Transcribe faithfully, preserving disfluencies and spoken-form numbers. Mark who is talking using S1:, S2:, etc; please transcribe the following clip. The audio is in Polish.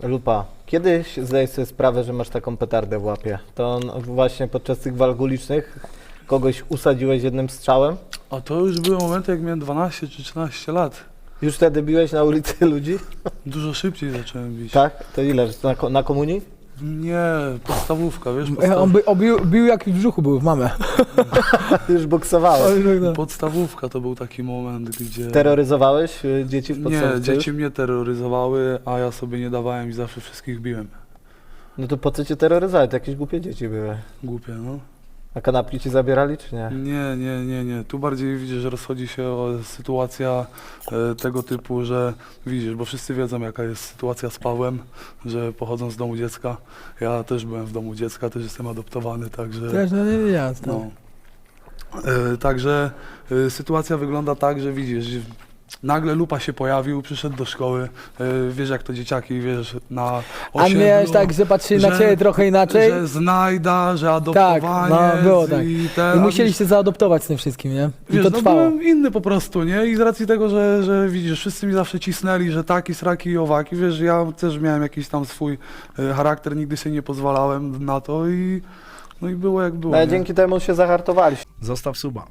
S1: Lupa, kiedyś zdajesz sobie sprawę, że masz taką petardę w łapie. To on właśnie podczas tych walk ulicznych kogoś usadziłeś jednym strzałem?
S2: A to już były momenty, jak miałem dwanaście czy trzynaście lat.
S1: Już wtedy biłeś na ulicy ludzi?
S2: Dużo szybciej zacząłem bić.
S1: Tak? To ile? Na, ko- na komunii?
S2: Nie, podstawówka, wiesz,
S3: E,
S2: podstaw...
S3: On by, obił, bił jak w brzuchu był w mamę.
S1: Już boksowałeś.
S2: podstawówka to był taki moment, gdzie...
S1: Terroryzowałeś y, dzieci w podstawce?
S2: Nie, dzieci mnie terroryzowały, a ja sobie nie dawałem i zawsze wszystkich biłem.
S1: No to po co cię terroryzować? To jakieś głupie dzieci były.
S2: Głupie, no.
S1: A kanapki ci zabierali, czy nie?
S2: Nie, nie, nie, nie. Tu bardziej widzisz, że rozchodzi się o sytuacja e, tego typu, że widzisz, bo wszyscy wiedzą, jaka jest sytuacja z Pawłem, że pochodząc z domu dziecka, ja też byłem w domu dziecka, też jestem adoptowany, także...
S3: Też no nie wiedziałem.
S2: No. E, także e, sytuacja wygląda tak, że widzisz, że nagle Lupa się pojawił, przyszedł do szkoły, e, wiesz jak to dzieciaki, wiesz, na
S3: A
S2: osiedlu,
S3: miałeś tak, że patrzyli na
S2: że-
S3: ciebie trochę inaczej?
S2: że znajda, że adoptowanie
S3: Tak, no, było tak.
S2: i ten...
S3: I
S2: a
S3: musieliście zaadoptować z tym wszystkim, nie? I
S2: Wiesz,
S3: to
S2: no
S3: trwało.
S2: byłem inny po prostu, nie? I z racji tego, że, że widzisz, wszyscy mi zawsze cisnęli, że taki, sraki i owaki, wiesz, ja też miałem jakiś tam swój e, charakter, nigdy sobie nie pozwalałem na to i no i było jak było.
S1: Ale
S2: nie?
S1: dzięki temu się zahartowaliście.
S4: Zostaw suba.